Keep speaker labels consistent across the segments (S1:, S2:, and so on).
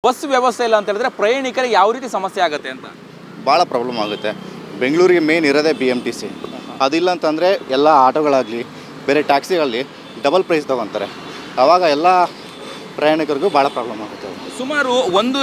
S1: Bus ವ್ಯವಸ್ಥೆ ಇಲ್ಲ ಅಂತ ಹೇಳಿದ್ರೆ ಪ್ರಯಾಣಿಕರಿಗೆ ಯಾವ ರೀತಿ ಸಮಸ್ಯೆ ಆಗುತ್ತೆ ಅಂತ?
S2: ಭಾಳ ಪ್ರಾಬ್ಲಮ್ ಆಗುತ್ತೆ. ಬೆಂಗಳೂರಿಗೆ ಮೇನ್ ಇರೋದೇ BMTC. ಅದಿಲ್ಲ ಅಂತಂದರೆ ಎಲ್ಲ ಆಟೋಗಳಾಗಲಿ ಬೇರೆ ಟ್ಯಾಕ್ಸಿಗಳಲ್ಲಿ ಡಬಲ್ ಪ್ರೈಸ್ ತೊಗೊತಾರೆ. ಆವಾಗ ಎಲ್ಲ ಪ್ರಯಾಣಿಕರಿಗೂ ಭಾಳ ಪ್ರಾಬ್ಲಮ್ ಆಗುತ್ತೆ.
S1: ಸುಮಾರು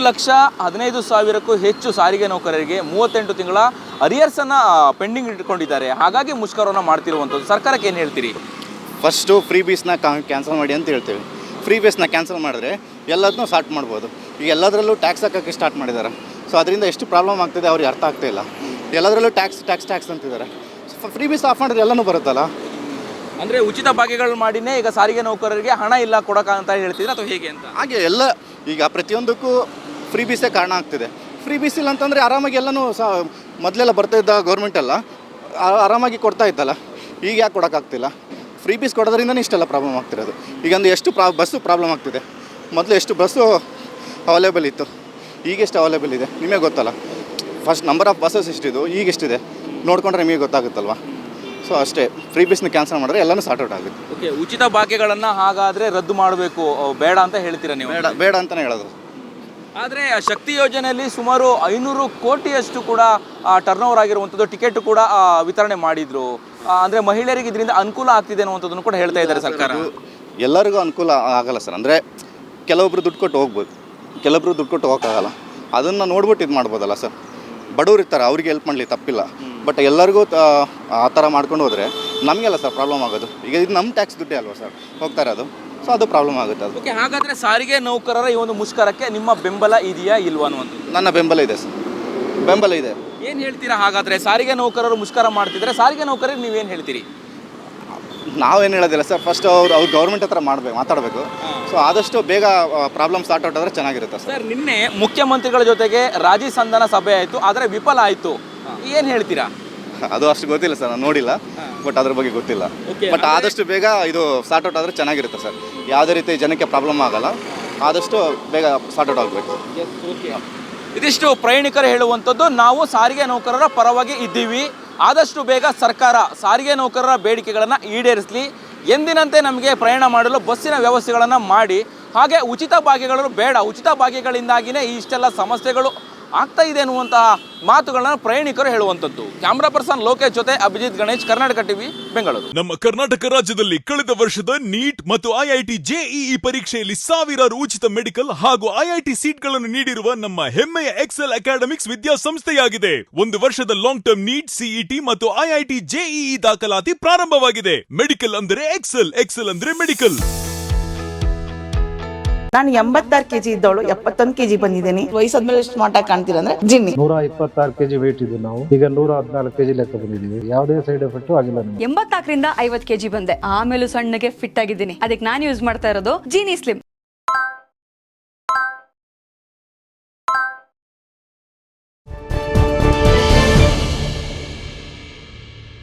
S1: 1,15,000ಕ್ಕೂ ಹೆಚ್ಚು ಸಾರಿಗೆ ನೌಕರರಿಗೆ 38 ತಿಂಗಳ ಅರಿಯರ್ಸನ್ನು ಪೆಂಡಿಂಗ್ ಇಟ್ಕೊಂಡಿದ್ದಾರೆ. ಹಾಗಾಗಿ ಮುಷ್ಕರವನ್ನು ಮಾಡ್ತಿರುವಂಥದ್ದು. ಸರ್ಕಾರಕ್ಕೆ ಏನು ಹೇಳ್ತೀರಿ?
S2: ಫಸ್ಟು ಫ್ರೀ ಬೀಸ್ನ ಕ್ಯಾನ್ಸಲ್ ಮಾಡಿ ಅಂತ ಹೇಳ್ತೀವಿ. ಫ್ರೀ ಬೇಸ್ನ ಕ್ಯಾನ್ಸಲ್ ಮಾಡಿದ್ರೆ ಎಲ್ಲದನ್ನೂ ಸ್ಟಾರ್ಟ್ ಮಾಡ್ಬೋದು. ಈಗ ಎಲ್ಲದರಲ್ಲೂ ಟ್ಯಾಕ್ಸ್ ಹಾಕೋಕ್ಕೆ ಸ್ಟಾರ್ಟ್ ಮಾಡಿದ್ದಾರೆ. ಸೊ ಅದರಿಂದ ಎಷ್ಟು ಪ್ರಾಬ್ಲಮ್ ಆಗ್ತಿದೆ ಅವ್ರಿಗೆ ಅರ್ಥ ಆಗ್ತಾಯಿಲ್ಲ. ಎಲ್ಲದರಲ್ಲೂ ಟ್ಯಾಕ್ಸ್ ಅಂತಿದ್ದಾರೆ. ಫ್ರೀ ಬೀಸ್ ಆಫ್ ಮಾಡಿದ್ರೆ ಎಲ್ಲನೂ ಬರುತ್ತಲ್ಲ.
S1: ಅಂದರೆ ಉಚಿತ ಭಾಗ್ಯಗಳು ಮಾಡಿನೇ ಈಗ ಸಾರಿಗೆ ನೌಕರರಿಗೆ ಹಣ ಇಲ್ಲ ಕೊಡೋಕೆ ಅಂತ ಹೇಳ್ತಿದ್ರೆ ಅಥವಾ ಹೇಗೆ ಅಂತ?
S2: ಹಾಗೆ ಎಲ್ಲ ಈಗ ಪ್ರತಿಯೊಂದಕ್ಕೂ ಫ್ರೀ ಬೀಸೇ ಕಾರಣ ಆಗ್ತಿದೆ. ಫ್ರೀ ಬೀಸ್ ಇಲ್ಲ ಅಂತಂದರೆ ಆರಾಮಾಗಿ ಎಲ್ಲನೂ ಮೊದಲೆಲ್ಲ ಬರ್ತಾಯಿದ್ದ ಗೌರ್ಮೆಂಟೆಲ್ಲ ಆರಾಮಾಗಿ ಕೊಡ್ತಾ ಇತ್ತಲ್ಲ. ಈಗ ಯಾಕೆ ಕೊಡೋಕ್ಕಾಗ್ತಿಲ್ಲ? ಫ್ರೀ ಬೀಸ್ ಕೊಡೋದ್ರಿಂದನೇ ಇಷ್ಟೆಲ್ಲ ಪ್ರಾಬ್ಲಮ್ ಆಗ್ತಿರೋದು. ಈಗ ಒಂದು ಎಷ್ಟು ಬಸ್ಸು ಪ್ರಾಬ್ಲಮ್ ಆಗ್ತಿದೆ. ಮೊದಲು ಎಷ್ಟು ಬಸ್ಸು ಅವೈಲೇಬಲ್ ಇತ್ತು, ಈಗ ಎಷ್ಟು ಅವೈಲೇಬಲ್ ಇದೆ ನಿಮಗೆ ಗೊತ್ತಲ್ಲ. ಫಸ್ಟ್ ನಂಬರ್ ಆಫ್ ಬಸ್ಸಸ್ ಎಷ್ಟಿದು, ಈಗ ಎಷ್ಟಿದೆ ನೋಡಿಕೊಂಡ್ರೆ ನಿಮಗೆ ಗೊತ್ತಾಗುತ್ತಲ್ವ. ಸೊ ಅಷ್ಟೇ, ಫ್ರೀ ಬೀಸ್ನ ಕ್ಯಾನ್ಸಲ್ ಮಾಡಿದ್ರೆ ಎಲ್ಲನೂ ಸಾರ್ಟ್ ಔಟ್ ಆಗುತ್ತೆ.
S1: ಓಕೆ, ಉಚಿತ ಭಾಗ್ಯಗಳನ್ನು ಹಾಗಾದರೆ ರದ್ದು ಮಾಡಬೇಕು, ಬೇಡ ಅಂತ ಹೇಳ್ತೀರಾ ನೀವು?
S2: ಬೇಡ ಅಂತಲೇ ಹೇಳೋದು.
S1: ಆದರೆ ಶಕ್ತಿ ಯೋಜನೆಯಲ್ಲಿ ಸುಮಾರು 500 ಕೋಟಿಯಷ್ಟು ಕೂಡ ಟರ್ನ್ ಓವರ್ ಆಗಿರುವಂಥದ್ದು. ಟಿಕೆಟ್ ಕೂಡ ವಿತರಣೆ ಮಾಡಿದರು. ಅಂದರೆ ಮಹಿಳೆಯರಿಗೆ ಇದರಿಂದ ಅನುಕೂಲ ಆಗ್ತಿದೆ ಅನ್ನುವಂಥದ್ದನ್ನು ಕೂಡ ಹೇಳ್ತಾ ಇದ್ದಾರೆ ಸರ್ಕಾರ.
S2: ಎಲ್ಲರಿಗೂ ಅನುಕೂಲ ಆಗಲ್ಲ ಸರ್. ಅಂದರೆ ಕೆಲವೊಬ್ರು ದುಡ್ಡು ಕೊಟ್ಟು ಹೋಗ್ಬೋದು, ಕೆಲವೊಬ್ರು ದುಡ್ಡು ಕೊಟ್ಟು ಹೋಗೋಕ್ಕಾಗಲ್ಲ. ಅದನ್ನು ನೋಡ್ಬಿಟ್ಟು ಇದು ಮಾಡ್ಬೋದಲ್ಲ ಸರ್. ಬಡವ್ರು ಇರ್ತಾರೆ, ಅವ್ರಿಗೆ ಹೆಲ್ಪ್ ಮಾಡಲಿ ತಪ್ಪಿಲ್ಲ. ಬಟ್ ಎಲ್ಲರಿಗೂ ಆ ಥರ ಮಾಡ್ಕೊಂಡು ಹೋದರೆ ನಮಗೆಲ್ಲ ಸರ್ ಪ್ರಾಬ್ಲಮ್ ಆಗೋದು. ಈಗ ಇದು ನಮ್ಮ ಟ್ಯಾಕ್ಸ್ ದುಡ್ಡೇ ಅಲ್ವಾ ಸರ್ ಹೋಗ್ತಾ ಇರೋದು. ಸೊ ಅದು ಪ್ರಾಬ್ಲಮ್ ಆಗುತ್ತೆ. ಅದು
S1: ಓಕೆ, ಹಾಗಾದರೆ ಸಾರಿಗೆ ನೌಕರರ ಈ ಒಂದು ಮುಷ್ಕರಕ್ಕೆ ನಿಮ್ಮ ಬೆಂಬಲ ಇದೆಯಾ ಇಲ್ವಾ ಅನ್ನುವಂಥದ್ದು?
S2: ನನ್ನ ಬೆಂಬಲ ಇದೆ ಸರ್, ಬೆಂಬಲ ಇದೆ.
S1: ಏನು ಹೇಳ್ತೀರಾ ಹಾಗಾದರೆ? ಸಾರಿಗೆ ನೌಕರರು ಮುಷ್ಕರ ಮಾಡ್ತಿದ್ರೆ ಸಾರಿಗೆ ನೌಕರರಿಗೆ ನೀವೇನು ಹೇಳ್ತೀರಿ?
S2: ನಾವೇನು ಹೇಳೋದಿಲ್ಲ ಸರ್. ಫಸ್ಟ್ ಅವ್ರು ಗೌರ್ಮೆಂಟ್ ಹತ್ರ ಮಾತಾಡಬೇಕು. ಸೊ ಆದಷ್ಟು ಬೇಗ ಪ್ರಾಬ್ಲಮ್ ಸ್ಟಾರ್ಟ್ ಔಟ್ ಆದರೆ ಚೆನ್ನಾಗಿರುತ್ತೆ ಸರ್.
S1: ನಿನ್ನೆ ಮುಖ್ಯಮಂತ್ರಿಗಳ ಜೊತೆಗೆ ರಾಜಿ ಸಂಧಾನ ಸಭೆ ಆಯಿತು, ಆದರೆ ವಿಫಲ ಆಯಿತು. ಏನು ಹೇಳ್ತೀರಾ?
S2: ಅದು ಅಷ್ಟು ಗೊತ್ತಿಲ್ಲ ಸರ್, ನಾನು ನೋಡಿಲ್ಲ. ಬಟ್ ಅದ್ರ ಬಗ್ಗೆ ಗೊತ್ತಿಲ್ಲ. ಬಟ್ ಆದಷ್ಟು ಬೇಗ ಇದು ಸಾರ್ಟ್ ಔಟ್ ಆದರೆ ಚೆನ್ನಾಗಿರುತ್ತೆ ಸರ್. ಯಾವುದೇ ರೀತಿ ಜನಕ್ಕೆ ಪ್ರಾಬ್ಲಮ್ ಆಗಲ್ಲ. ಆದಷ್ಟು ಬೇಗ ಸಾರ್ಟ್ ಔಟ್ ಆಗಬೇಕು.
S1: ಇದಿಷ್ಟು ಪ್ರಯಾಣಿಕರು ಹೇಳುವಂಥದ್ದು. ನಾವು ಸಾರಿಗೆ ನೌಕರರ ಪರವಾಗಿ ಇದ್ದೀವಿ. ಆದಷ್ಟು ಬೇಗ ಸರ್ಕಾರ ಸಾರಿಗೆ ನೌಕರರ ಬೇಡಿಕೆಗಳನ್ನು ಈಡೇರಿಸಲಿ. ಎಂದಿನಂತೆ ನಮಗೆ ಪ್ರಯಾಣ ಮಾಡಲು ಬಸ್ಸಿನ ವ್ಯವಸ್ಥೆಗಳನ್ನು ಮಾಡಿ, ಹಾಗೆ ಉಚಿತ ಭಾಗ್ಯಗಳು ಬೇಡ, ಉಚಿತ ಭಾಗ್ಯಗಳಿಂದಾಗಿಯೇ ಇಷ್ಟೆಲ್ಲ ಸಮಸ್ಯೆಗಳು ಆಗ್ತಾ ಇದೆ ಅನ್ನುವಂತಹ ಮಾತುಗಳನ್ನ ಪ್ರಯಾಣಿಕರು ಹೇಳುವಂಥದ್ದು. ಕ್ಯಾಮ್ರಾ ಪರ್ಸನ್ ಲೋಕೇಶ್ ಜೊತೆ ಅಭಿಜಿತ್ ಗಣೇಶ್, ಕರ್ನಾಟಕ ಟಿವಿ, ಬೆಂಗಳೂರು.
S3: ನಮ್ಮ ಕರ್ನಾಟಕ ರಾಜ್ಯದಲ್ಲಿ ಕಳೆದ ವರ್ಷದ ನೀಟ್ ಮತ್ತು IIT JEE ಪರೀಕ್ಷೆಯಲ್ಲಿ ಸಾವಿರಾರು ಉಚಿತ ಮೆಡಿಕಲ್ ಹಾಗೂ IIT ಸೀಟ್ಗಳನ್ನು ನೀಡಿರುವ ನಮ್ಮ ಹೆಮ್ಮೆಯ ಎಕ್ಸೆಲ್ ಅಕಾಡೆಮಿಕ್ಸ್ ವಿದ್ಯಾಸಂಸ್ಥೆಯಾಗಿದೆ. 1 ವರ್ಷದ ಲಾಂಗ್ ಟರ್ಮ್ ನೀಟ್, CET ಮತ್ತು IIT JEE ದಾಖಲಾತಿ ಪ್ರಾರಂಭವಾಗಿದೆ. ಮೆಡಿಕಲ್ ಅಂದರೆ ಎಕ್ಸೆಲ್, ಎಕ್ಸೆಲ್ ಅಂದ್ರೆ ಮೆಡಿಕಲ್.
S4: ನಾನು 86 kg ಇದ್ದವಳು 71 kg ಬಂದಿದ್ದೀನಿ. ವಯಸ್ಸಾದ್ಮೇಲೆ ಸ್ಮಾರ್ಟ್ ಆಗಿ ಕಾಣ್ತೀರಾ ಅಂದ್ರೆ ಜಿನ್ನಿ.
S5: 126 kg ವೇಟ್ ಇದ್ದು ನಾವು ಈಗ 114 kg ಲೆಕ್ಕ ಬಂದಿದ್ದೀವಿ. ಯಾವುದೇ ಸೈಡ್ ಎಫೆಕ್ಟ್ ಆಗಿಲ್ಲ.
S6: 84ರಿಂದ 50 kg ಬಂದೆ. ಆಮೇಲೆ ಸಣ್ಣಗೆ ಫಿಟ್ ಆಗಿದ್ದೀನಿ. ಅದಕ್ಕೆ ನಾನು ಯೂಸ್ ಮಾಡ್ತಾ ಇರೋದು ಜೀನಿ ಸ್ಲಿಮ್.